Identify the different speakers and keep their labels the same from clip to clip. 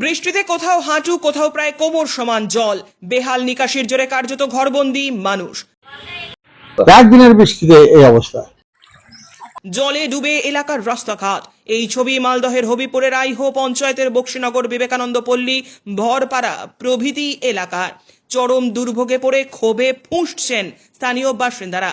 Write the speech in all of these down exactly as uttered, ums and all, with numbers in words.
Speaker 1: বৃষ্টিতে কোথাও হাঁটু কোথাও প্রায় কোমর সমান জল, বেহাল নিকাশির জোরে কার্যত ঘরবন্দি মানুষ।
Speaker 2: একদিনের বৃষ্টিতে এই অবস্থা।
Speaker 1: জলে ডুবে এলাকার রাস্তাঘাট। এই ছবি মালদহের হবিপুরের আইহো পঞ্চায়েতের বক্সিনগর, বিবেকানন্দ পল্লী, ভরপাড়া প্রভৃতি এলাকার। চরম দুর্ভোগে পড়ে ক্ষোভে ফুঁসছেন স্থানীয় বাসিন্দারা।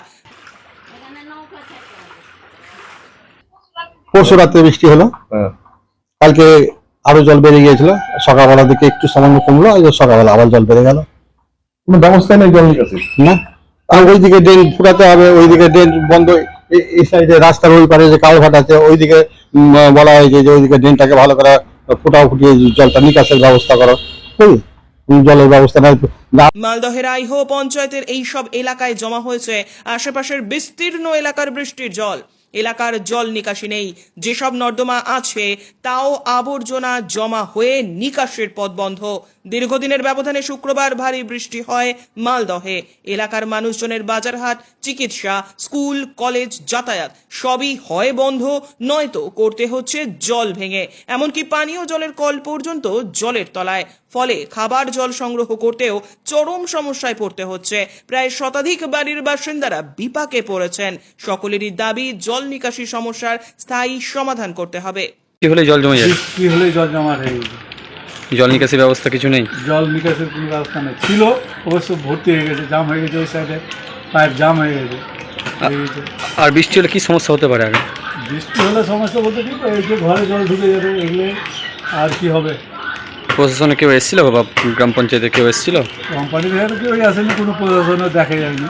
Speaker 2: পরশু রাত্রে বৃষ্টি হলো, কালকে আরো জল বেড়ে গিয়েছিল, সকালবেলার দিকে একটু সামান্য কমলো, সকালবেলা আবার জল বেড়ে গেল।
Speaker 3: কোনো ব্যবস্থা নেই জল নিকাশি
Speaker 2: না, আর ওইদিকে ড্রেন ফুটাতে হবে, ওইদিকে ড্রেন বন্ধ, এই সাইডে রাস্তার ওই পারে যে কালভার্ট আছে ওইদিকে বলা হয়েছে যে ওইদিকে ড্রেনটাকে ভালো করে ফুটাও ফুটিয়ে জলটা নিকাশের ব্যবস্থা করো, জলের ব্যবস্থা নাই।
Speaker 1: মালদহের আইহো পঞ্চায়েতের এই সব এলাকায় জমা হয়েছে আশেপাশের বিস্তীর্ণ এলাকার বৃষ্টির জল। এলাকার জল নিকাশি নেই, যেসব নর্দমা আছে তাও আবর্জনা জমা হয়ে নিকাশের পথ বন্ধ। দীর্ঘদিনের ব্যবধানে শুক্রবার ভারী বৃষ্টি হয় মালদহে। এলাকার মানুষজনের বাজারহাট, চিকিৎসা, স্কুল, কলেজ, যাতায়াত সবই হয় বন্ধ, নয়তো করতে হচ্ছে জল ভেঙে। এমনকি পানীয় জলের কল পর্যন্ত জলের তলায়। ফলে খাবার জল সংগ্রহ করতেও চরম সমস্যায় পড়তে হচ্ছে। প্রায় শতাধিক বাড়ির বাসিন্দারা বিপাকে পড়েছেন। সকলেরই দাবি জল নিকাশি সমস্যার স্থায়ী সমাধান করতে হবে।
Speaker 4: কি হলে জল জমে যায়?
Speaker 5: কি হলে জল জমা হয়ে গেছে,
Speaker 4: জল নিকাশি ব্যবস্থা কিছু নেই।
Speaker 5: জল নিকাশের কোনো ব্যবস্থা নেই, ছিল অবশ্য ভর্তি হয়ে গেছে, জাম হয়ে গেছে, ওই সাইডে পাইপ জাম হয়ে গেছে।
Speaker 4: আর বৃষ্টি হলে কি সমস্যা হতে পারে? আগে
Speaker 5: বৃষ্টি হলে সমস্যা বলতে কি, এই যে ঘরে জল ঢুকে যাবে, এগুলো আর কি হবে।
Speaker 4: প্রশাসনে কেউ এসেছিল বা গ্রাম পঞ্চায়েতে কেউ এসেছিল?
Speaker 5: কোম্পানির ভেতরে কেউ আসেনি, কোনো প্রশাসনও দেখা যায়নি।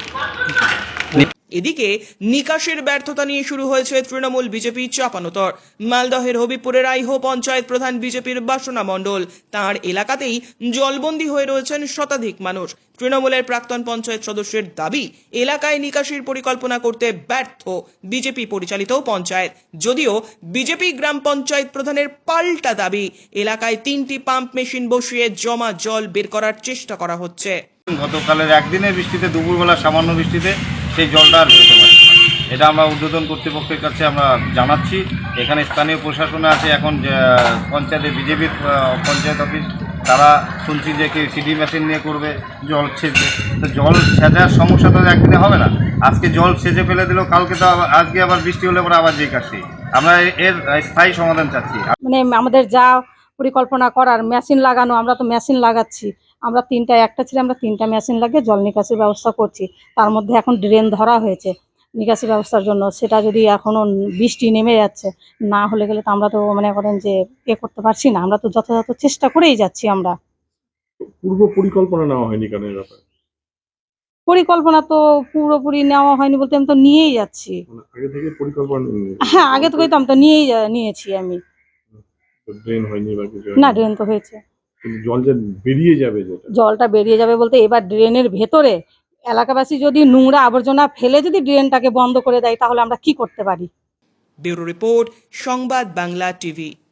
Speaker 1: এদিকে নিকাশের ব্যর্থতা নিয়ে শুরু হয়েছে তৃণমূল বিজেপি চাপানোতর। মালদহের হবিপুরের আইহো পঞ্চায়েত প্রধান বিজেপির বাসনা মণ্ডল, তাঁর এলাকাতেই জলবন্দী হয়ে রয়েছেন শতাধিক মানুষ। তৃণমূলের প্রাক্তন পঞ্চায়েত সদস্যের দাবি, এলাকায় নিকাশির পরিকল্পনা করতে ব্যর্থ বিজেপি পরিচালিত পঞ্চায়েত। যদিও বিজেপি গ্রাম পঞ্চায়েত প্রধানের পাল্টা দাবি, এলাকায় তিনটি পাম্প মেশিন বসিয়ে জমা জল বের করার চেষ্টা করা হচ্ছে।
Speaker 6: গতকালের একদিনের বৃষ্টিতে, দুপুরবেলা সামান্য বৃষ্টিতে সেই জলটা আর বেরোতে পারে। এটা আমরা ঊর্ধ্বতন কর্তৃপক্ষের কাছে আমরা জানাচ্ছি। এখানে স্থানীয় প্রশাসনে আছে, এখন পঞ্চায়েতে বিজেপির পঞ্চায়েত অফিস, তারা শুনছি যে কেউ সিডি মেশিন নিয়ে করবে জল ছেঁচবে। তো জল ছেঁচার সমস্যা তো একদিনে হবে না। আজকে জল ছেঁচে ফেলে দিল, কালকে তো আজকে আবার বৃষ্টি হলে পরে আবার যে কাশি। আমরা এর স্থায়ী সমাধান চাচ্ছি।
Speaker 7: মানে আমাদের যা পরিকল্পনা করার মেশিন লাগানো, আমরা তো মেশিন লাগাচ্ছি, আমরা তিনটা একটা ছিল আমরা তিনটা মেশিন লাগিয়ে জল নিকাশির ব্যবস্থা করছি। তার মধ্যে এখন ড্রেন ধরা হয়েছে নিকাশি ব্যবস্থার জন্য, সেটা যদি এখনও বৃষ্টি নেমে যাচ্ছে, না হলে গেলে তো আমরা তো মনে করেন যে এ করতে পারছি না। আমরা তো যথাযথ চেষ্টা করেই যাচ্ছি। আমরা
Speaker 3: পূর্ব পরিকল্পনা নেওয়া হয়নি কেন? ব্যাপারে
Speaker 7: পরিকল্পনা তো পুরোপুরি নেওয়া হয়নি বলতে, আমি তো নিয়েই যাচ্ছি।
Speaker 3: আগে থেকে পরিকল্পনা
Speaker 7: হ্যাঁ, আগে থেকেই তো আমি তো নিয়েই নিয়েছি আমি।
Speaker 3: ড্রেন হয়নি বা কিছু?
Speaker 7: না, ড্রেন তো হয়েছে।
Speaker 3: জল যে বেরিয়ে যাবে, যেটা
Speaker 7: জলটা বেরিয়ে যাবে বলতে, এবার ড্রেনের ভেতরে এলাকাবাসী যদি নোংরা আবর্জনা ফেলে যদি ড্রেনটাকে বন্ধ করে দেয়, তাহলে আমরা কি করতে পারি?
Speaker 1: ব্যুরো রিপোর্ট, সংবাদ বাংলা টিভি।